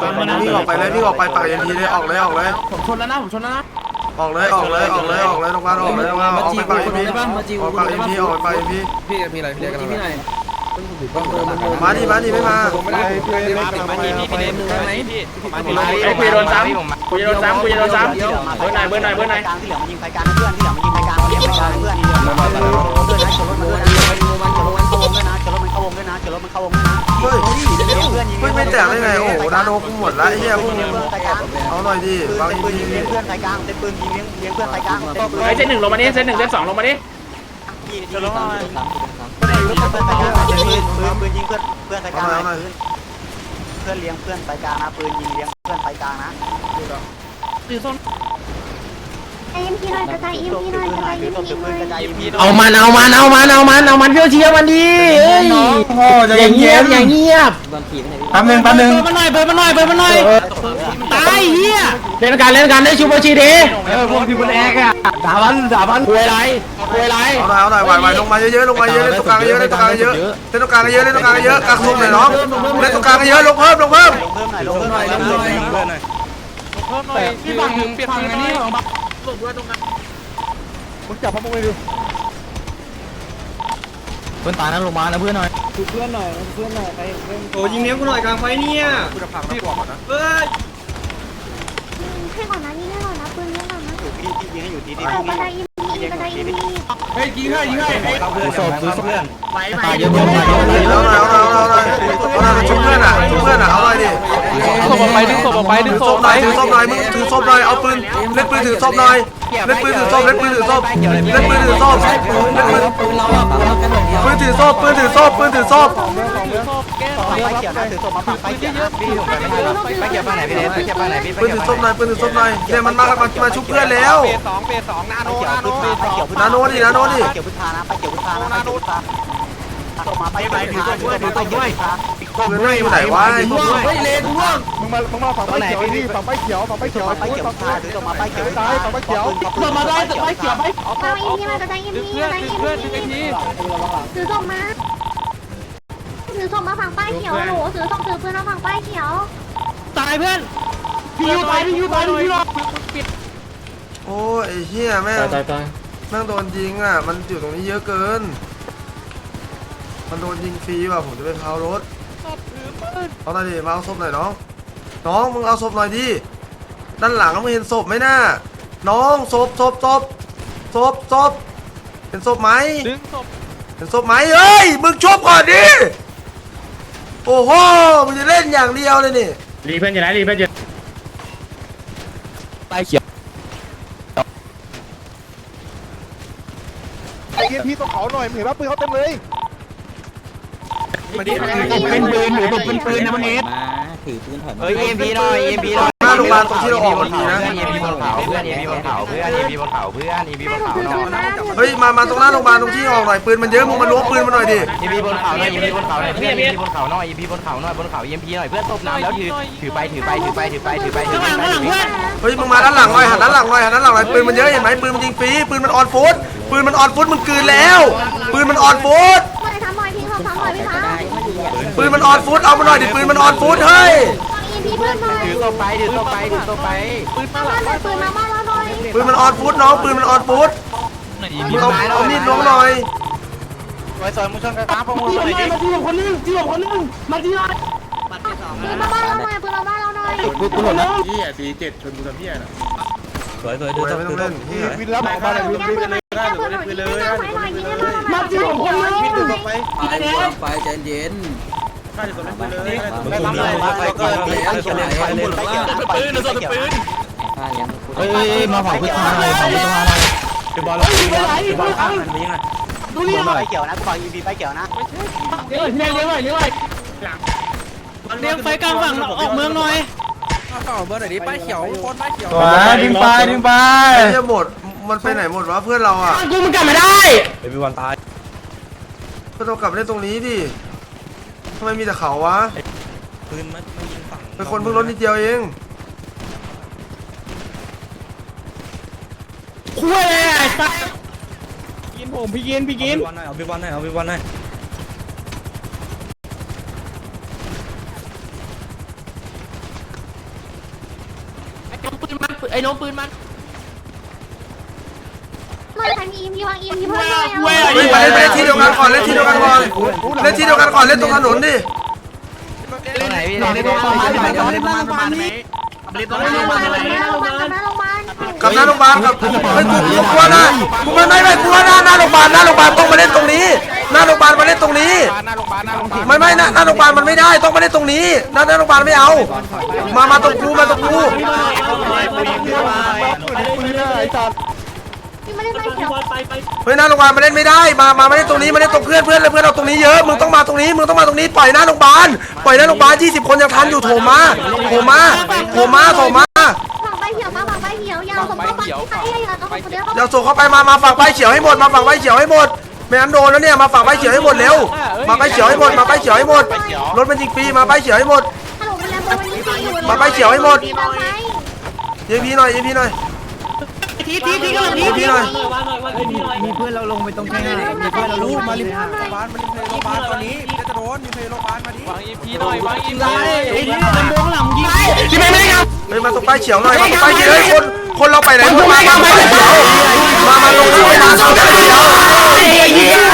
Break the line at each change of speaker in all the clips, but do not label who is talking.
วิ่งออกไปเลยวิ่งออกไปปากยันทีเลยออกเลยออกเลย
ผมชนแล้วนะผมชนแล้วนะ
ออกเลยออกเลยออกเลยออกเลยตรงบ้านออกเลยตรงบ้านออกไปปากยันทีออกไปปากยันทีออกไปปากยันที
พี่มีอะไรพี่เรียกกันไหน
มาดิมาดิไม่มา
คุยโดนซ้ำคุยโดนซ้ำคุยโดนซ้ำเบอร์ไหนเบอร์ไหนเบอร์ไหน
ที่เหลือมันยิงไฟกลางเพื่อนที่เหลือมันยิงไฟกลางเพื่อนเพื่อนนะชนรถมันด้วยนะชนรถมันเข้าวงด้วยนะชนรถมันเข้าวงด้วยนะ
เฮ้ยไม่แตกได้ไงโอ้โหนาโนกูหมดละเฮียพวกเอาหน่อยดิบางที
เลี้ยงเพื่อนไฟกลางเต็มปืนยิงเลี้ยงเพื่อนไฟกลาง
ไอ้เซตหนึ่งลงมาดิเซตหนึ่งเซตสองลงมาดิ
ชนรถมันเพื่อนไฟกลางปืนยิงเพื่อนไฟกลางเพื่อนเลี้ยงเพื่อนไฟกลางนะปืนยิงเลี้ยงเพื่อนไฟกลางนะ
ถือส้น
ไอ้เอ็มพีหน่อยกระจายเอ็มพีหน่อยกระจายเอ็มพีหน่อย
เอามันเชื่อมันดีเอ้ยอย่างเงียบแป๊บนึง
เบอร์มันหน่อยตายเฮีย
เล่นกันได้ชูโบชีดี
พวกที่มันแอกอะด่ามัน
คุยไร
เอาหน่อยไหวลงมาเยอะลงมาเยอะเล่นตรงกลางเยอะเล่นตรงกลางเยอะเล่นตรงกลางเยอะเล่นตรงกลางเยอะกางทุ่มหน่อยน้องเล่นตรงกลางเยอะลงเพิ่ม
พี่ฝั่งเปลี่ยนฝั่งอันนี้ของบัฟหลบด้วยตรงนั้นมึงจับพวกมึงไปดู
เพื่อนตายนะลงมานะเพื่อนหน่อย
โอ้ยิงเนี้ยกูหน่อยกลางไฟเนี่ยกูจะพังพี่บอกก่อนนะเฮ้ย
ให้ก่อนนะยิงให้ก่อนนะปืนยิงก่อนนะ
พี่ยิงให้อยู่ที่นี่
กระจายเอ็มพีกระจายเอ็มพี
เฮ้ยยิงให้
ซื้อศพเพื่อน
ตายเยอะ
เอาหน่อยชุบเพื่อนอ่ะเอาหน่อยดิ
ดึงศพออกไป
ถือศพหน่อยมึงถือศพหน่อยเอาปืนเล่นปืนถือศพหน่อยเล่นปืนถือศพปืนถือศพปืนถือศพ
ไฟเขียวนะถือศพมาฝั่งไฟเขียวนะพี่ผมไปเขียวฝั่งไหนพี่เดชไปเขียวฝั่งไหนพี่
ปืนถือศพหน่อยเนี่ยมันมาชุบเพื่อนแล้ว
เปสองนาโนดินาโนดิ
ไปเขียวพุทธานะไปเขียวพุทธาศพมาไปถือศพด้วยศพด้วยอยู่ไหนวะ
เลนร่วง
มึงมาฝั่งไฟเขียวดิฝั่งไฟเขียวถือศพมาไฟเขียวมาได้ไฟเขียวไป
กระจายเอ็มพีมากระจายเอ็มพีกระจายเอ็มพีถือศพมาฝั่งป้ายเขียวหนูถือปืนมาฝั่งป้ายเขียว
ตายเพื่อนพี่ยูตายรอปิด
โอ้ยเฮียแม่งนั่งโดนยิงอ่ะมันอยู่ตรงนี้เยอะเกินมันโดนยิงฟรีว่ะผมจะไปพาวรถเอาหน่อยดิมาเอาศพหน่อยน้องมึงเอาศพหน่อยดิด้านหลังมึงเห็นศพไหมน่ะน้องศพเห็นศพไหมเห็นศพไหมเฮ้ยมึงชบก่อนดิโอ้โหมึงจะเล่นอย่างเดียวเลยนี่
รีเพื่อนอยู่ไหนรีเพื่อนอยู่
ไปเขียว
ไอ้พี่ต้องเขาหน่อยเห็นว่าปืนเขาเต็มเลย
เป็นปืนหรือเป็นปืนนะมันเอส
ถือปืนถอยเฮ้ยเอ็มพีหน่อย
หน้าโรงพยาบาลตรงที่เราออกมันมีนะ
เอ็มพีบนเขาเพื่อน
เฮ้ยมาตรงหน้าโรงพยาบาลตรงที่ออกหน่อยปืนมันเยอะมึงมาล้วงปืนมาหน่อยดิ
เอ็มพีบนเขาหน่อยเพื่อนเอ็มพีบนเขาหน่อยเอ็มพีบนเขาเอ็มพีหน่อยเพื่อนตบน้ำแล้วถือไป
เฮ้ยมึงมาด้านหลังหน่อยหันด้านหลังหน่อยปืนมันเยอะเห็นไหมปืนมันยิงฟรีปืนมันออนฟุตมึงกืนแล้วปืนมันออนฟุตปืนมันออนฟุตเอามาหน่อยดิปืนมันออนฟุตเฮ้ย
ถือตัวไป
ปืนมาบ้านเราหน่อย
ปืนมันออนฟุตน้องปืนมันออนฟุตเอามีดล้วงหน่อย
สวยมึงชนกันตามพวกมึงเลยดิ
มาที่คนนึงมาที่ไหน
ปืนมาบ้านเราหน่อย
กูหล่นนะ
พี่ตี7ชนกูทำพี่น่ะ
สวย
ไม่ต้องเล่น
วินรับออกมาเลยวินเลยมาที่คนนึงวินดู
ไปใจเย็น
ไม่รับเลย
มาเผาพื้นที่เลย
บอลข้างมันมีไง
ดูนี่ไฟเขียวนะฝั่งอีบีไฟเขียวนะ
เลี้ยงไฟกลางฝั่งออกเมืองหน่อย
ต่อเบอร์ไหนดิป้ายเขียวคนป้ายเขียว
ดึงไปหมดมันไปไหนหมดวะเพื่อนเราอ่ะ
กูมันกลับไม่ได้ไอ้พี่วันตาย
ก็ต้องกลับไปเล่นตรงนี้ดิทำไมมีแต่เขาวะ
ปืนมันยิงฝั่ง
เป็นคนเพิ่งรถนิดเดียวเอง
คุยเลยไอ้สัสกินผมพี่กิน
เอาพี่บอลให้ปืนมันไอ้น้องปืนมัน
มาทางอีมพีวางอีมพีเพื่อนเลย
เฮ้ยมาเล่นที่เดียวกันก่อนเล่นที่เดียวกันก่อนเล่นที่เดียวกันก่อนเล่นตรงถนนดิ
ไหนพี่ไหนโรงพยาบาลไหนโรงพยาบาลนี้
โรงพยาบาลโรงพยาบาล
กับหน้าโรงพยาบาลกับเฮ้ยกูกลัวนะกูไม่กลัวหน้าโรงพยาบาลต้องมาเล่นตรงนี้หน้าโรงพยาบาลมาเล่นตรงนี้ไม่หน้าโรงพยาบาลมันไม่ได้ต้องมาเล่นตรงนี้หน้าโรงพยาบาลไม่เอามาตรงกู
พี่ไม่ได้ไม่เขียว
เฮ้ยหน้าโรงพยาบาลมาเล่นไม่ได้มาเล่นตรงนี้มาเล่นตรงเพื่อนเราตรงนี้เยอะมึงต้องมาตรงนี้ปล่อยหน้าโรงพยาบาล20 คนยังทันอยู่โถมา
ฝั่งใบเขียวมาฝั่งใบเขียวยาวสมมติว่าใครอยากเอาคนเดียว
เดี๋ยวส่งเข้าไปมาฝั่งใบเขียวให้หมดไม่งั้นโดนแล้วเนี่ยมาฝั่งใบเขียวให้หมดเร็วมาใบเขียวให้หมดรถมันยิงฟรีมาใบเขียวให้หมด
ฮัลโหลมันแล้วมันยิงอยู่
มาใบเขียวให้หมด
ตามไหม
ยิงพี่หน่อย
ทีกำลังที
ยิงพี่หน่อย
มีเพื่อนเราลงไปตรงแค่ไหนมีเพื่อนเราลูกมาลิฟต์
วางอีพีหน่อยวางอีพี
ไอ้นี่ลำโพงหลังยิงที่ไม่ได้ครับ
เฮ้ยมาตรงใบเขียวหน่อยมาตรงใบเขียวเฮ้ยคนเราไปไหนมาใบเขียวมาลงที่ไปทางใบเขียว
ไอ้เหี้ย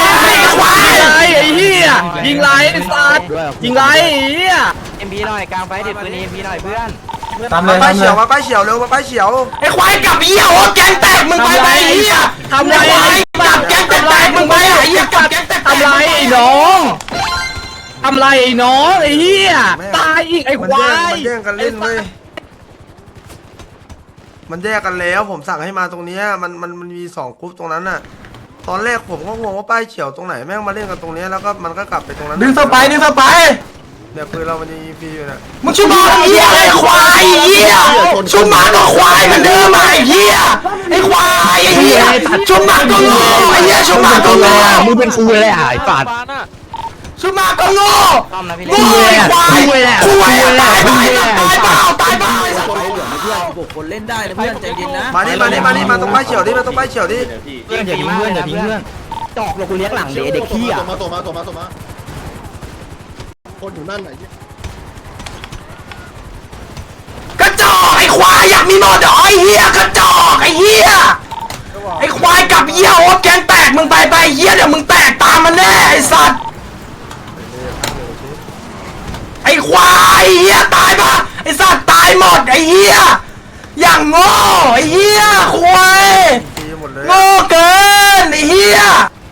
ยิงไรไอ้สัตว์ยิงไรไอ้เหี้ย
เอ็มพีหน่อยกลางไฟเด็ดปืนเอ็มพีหน่อยเพื่อน
มาใบเขียวเร็วมาใบเขียว
ไอ้ควายกับเหี้ยโอ้แกงแตกมึงไปไอ้เหี้ยทำไรกับแกงแตกมึงไปไอ้เหี้ยกับแกงแตกทำไรไอ้น้องทำไรไอ้น้องไอ้เหี้ยตายอีกไอ้ควาย
มันแย่งกันเล่นเว้ยมันแยกกันแล้วผมสั่งให้มาตรงนี้มันมี2 กรุ๊ปตรงนั้นน่ะตอนแรกผมก็งงว่าป้ายเขียวตรงไหนแม่งมาเล่นกันตรงนี้แล้วก็มันก็กลับไปตรงนั้น
ดึงสไป
เนี่ยปืนเรามันยิงฟรีอยู่น่ะ
มึงชุบมาไอ้เหี้ยไอ้ควายไอ้เหี้ยชุบมาก็ควายเหมือนเดิมไอ้เหี้ยไอ้ควายไอ้เหี้ยชุบมาก็โง่ไอ้เหี้ยชุบมาก็โง่มึงเป็นกูเลยอ่ะไอ้ปาดชุบมาก็โง่
ต้อมนะพี่
โง่ไอ้ควายควายตายเปล่า
คนเล่นได้นะเพื่อนใจเย็นนะ
มานี่มาตรงป้ายเขียวดิมาตรงป้ายเขียวดิ
เพื่อนอย่าทิ้งเพื่อนจอกเรากูเลี้ยงหลังเด็กขี้อ่ะ
คนอยู่นั่นไหน
กระจอกไอ้ควายอยากมีหมดเหรอไอ้เหี้ยกระจอกไอ้เหี้ยไอ้ควายกับเหี้ยโอ๊ตแกงแตกมึงไปเหี้ยเดี๋ยวมึงแตกตามมันแน่ไอ้สัตว์ไอ้ควายเหี้ยตายปะไอ้สัตว์ตายหมดไอ้เหี้ยอย่างโง่ไอ้เหี้ยควาย
ฟรีหมดเลย
โง่เกินไอ้เหี้ย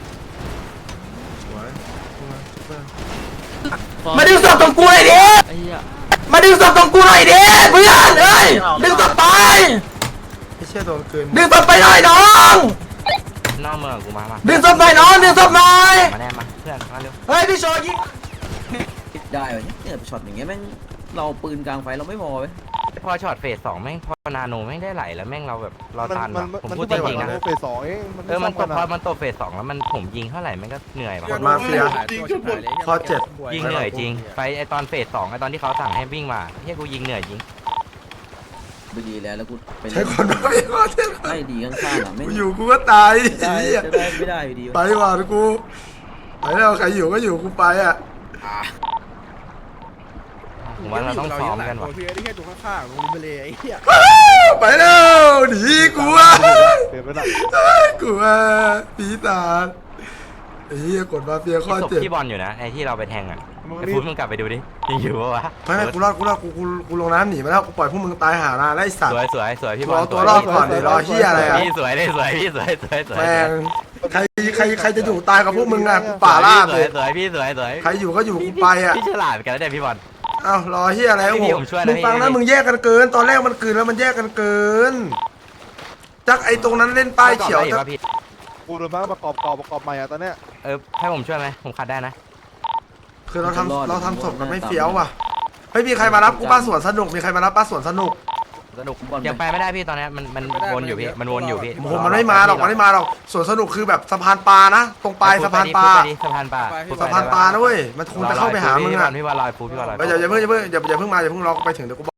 มาดึงศพตรงกูหน่อยดิมาดึงศพตรงกูหน่อยดิเพื่อนเอ้ยดึงศพไป
ไม่ใช่โดนเกิน
ดึงศพไปหน่อยน้อง
นอกเมืองกูมา
ดึงศพหน่อยน้องดึงศพหน่อย
มาแน่มาเพื่อนมาเร็ว
เฮ้ยพี่โชว์ยิง
ได้เหรอเนี่ยช็อตอย่างเงี้ยแม่งเราปืนกลางไฟเราไม่พอเว้ย
พอช็อตเฟส2แม่งพอนาโนแม่งได้ไหลแล้วแม่งเราแบบเราตันผมพูดจริงๆนะ
เฟส 2เอง
มันตกพอมันตกเฟส2แล้วมันผมยิงเท่าไหร่แม่งก็เหนื่อยว่ะ
กดมาเฟียข้อ7
ยิงเหนื่อยจริงไปไอตอนเฟส2ไอตอนที่เขาสั่งให้วิ่งมาเฮียกูยิงเหนื่อยจริง
ไม่ดีแล้วกูไป
ใช้คนมาเฟียข้อ7
ไม่ดีข้างๆอ่ะไม่
กูอยู่กูก็ตาย
ได้
เหี้ย
ไม่ได้อยู่ดี
ไปดีกว่ากูไปแล้วใครอยู่ก็อยู่กูไปอ่ะ
ผมว่าเราต้องซ้อมกันว่ะ
เพียที่แค่ตรงข้างๆลงไปเลยไอ้เหี้ย
ไปแล้วหนีกูอ่ะ
เปลี่ยนไปละ
กูอ่ะปีศาจไอ้เหี้ยกดมาเฟียข้อ
ศพ
7
ที่บอลอยู่นะไอที่เราไปแทงอ่ะไอฟุตมึงกลับไปดูดิยังอยู่ปะวะ
ไม่กูรอดกูลงน้ำหนีมาแล้วกูปล่อยพวกมึงตายหานาแล้วไอ้สัต
ส
ว์
วยพี่บอล
รอตัวรอดก่อนดิรอเหี้ยอะไรอ่ะ
พี่สวยเลยสวยพี่สวย
แม่งใครจะอยู่ตายกับพวกมึงอ่ะกูป่าล่า
ส
เล
วย
ย
สวยพี่สวย
ใครอยู่ก็อยู่กูไปอ่ะ
พี่ฉลาดกันแล้วเนี่ยพี่บอล
อ้าวรอเฮียอะไร
พี่ผมช่วยนะ
มึงฟัง
พี่
นะมึงแยกกันเกิน ตอนแรกมันเกินแล้วมันแยกกันเกินจักไอ้ตรงนั้นเล่นป้ายเขียว
ได้
จัก
ป่ะพี่
กูโดนบ้างประกอบใหม่อะตอนเนี้ย
ให้ผมช่วยไหมผมขัดได้นะ
คือเราทำศพกันไม่เฟี้ยวว่ะไม่มีใครมารับกูป้าสวนสนุกมีใครมารับป้าสวนสนุก
สนุกยังไปไม่ได้พี่ตอนนี้มันวนอยู่พี่มันวนอยู่พี่
โอ้โหมันไม่มาหรอกสวนสนุกคือแบบสะพานปลานะตรงปลายสะพานปลา
สะพานปลา
สะพานปลานะเว้ยมันคงจะเข้าไปหามึงอ่ะ
พี่บอลลอยฟูพี่บอลลอย
อย่าเพิ่งมาอย่าเพิ่งรอไปถึงเดี๋ยวกู